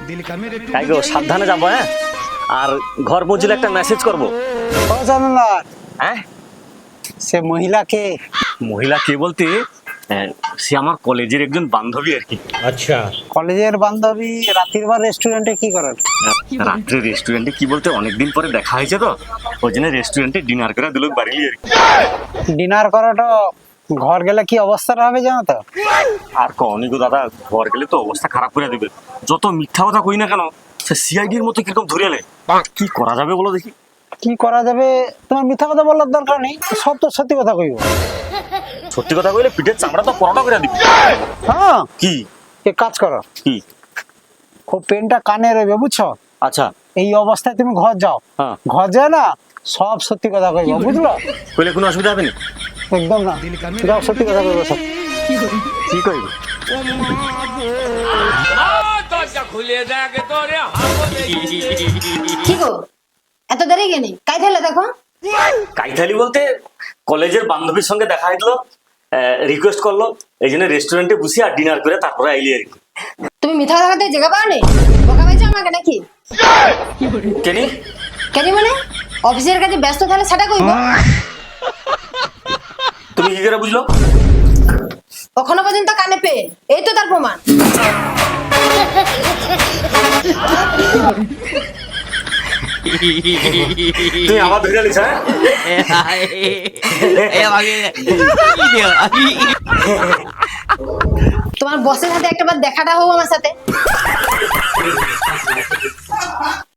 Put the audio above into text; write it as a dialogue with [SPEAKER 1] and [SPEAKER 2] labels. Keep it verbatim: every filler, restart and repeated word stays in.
[SPEAKER 1] তাই গো সাবধানে যাবো। হ্যাঁ, আর ঘর পৌঁছলে একটা মেসেজ করবো।
[SPEAKER 2] ও জানালার
[SPEAKER 1] হ্যাঁ,
[SPEAKER 2] সে মহিলাকে
[SPEAKER 1] মহিলা কে বলতে আহ, সে আমার কলেজের একজন বান্ধবী আর কি।
[SPEAKER 3] अच्छा
[SPEAKER 2] কলেজের বান্ধবী রাতের বার রেস্টুরেন্টে কি করেন?
[SPEAKER 1] রাত্রে রেস্টুরেন্টে কি বলতে অনেকদিন পরে দেখা হয়েছে তো ওই জন্য রেস্টুরেন্টে ডিনার করে দিল বাড়ি আর কি।
[SPEAKER 2] ডিনার করাটা ঘর গেলে কি অবস্থাটা হবে জানো তো?
[SPEAKER 1] আর কনি গো দাদা, ঘর গেলে তো অবস্থা খারাপ করে দেবে। যত মিথ্যা কথা কই না কেন সে সিআইডির মতো কিরকম ধরে এলে। কি করা যাবে বলো দেখি?
[SPEAKER 2] কি করা যাবে? তোমার মিথ্যা কথা বলার দরকার নেই, সব তো সত্যি কথা কইব।
[SPEAKER 1] সত্যি কথা কইলে পিঠের চামড়া তো পরোটা করে দিবি।
[SPEAKER 2] হ্যাঁ,
[SPEAKER 1] কি
[SPEAKER 2] এক কাজ করো,
[SPEAKER 1] কি?
[SPEAKER 2] খুব পেনটা কানে রইবে বুঝছো?
[SPEAKER 1] আচ্ছা,
[SPEAKER 2] এই অবস্থায় তুমি ঘর যাও,
[SPEAKER 1] হ্যাঁ।
[SPEAKER 2] ঘর যায় না সব সত্যি কথা কইব, বুঝলো?
[SPEAKER 1] কইলে কোনো অসুবিধা হবে না?
[SPEAKER 2] একদম না, যাও সত্যি কথা কইব সব।
[SPEAKER 1] কি কইব?
[SPEAKER 4] কি গো এত দেরি কেন? কাই থাকলে দেখো।
[SPEAKER 1] কাইথালি বলতে কলেজের বান্ধবীর সঙ্গে দেখা হইলো, রিকোয়েস্ট করলো, এই জন্য রেস্টুরেন্টে বসি আর ডিনার করে তারপরে আইলি আর কি।
[SPEAKER 4] তুমি মিথ্যা কথা বলতে জায়গা পাওনি? বোকা পাইছো আমাকে নাকি?
[SPEAKER 1] কেনি?
[SPEAKER 4] কেন মানে অফিসের কাছে ব্যস্ত তাহলে সেটা কইব।
[SPEAKER 1] তুমি কি করে বুঝলো?
[SPEAKER 4] কখনো পর্যন্ত কানে পেয়ে, এই তো তার প্রমাণ।
[SPEAKER 1] তুমি আমার ধরে আনিস? হ্যাঁ,
[SPEAKER 4] তোমার বসের সাথে একটাবার দেখাটা হোক আমার সাথে।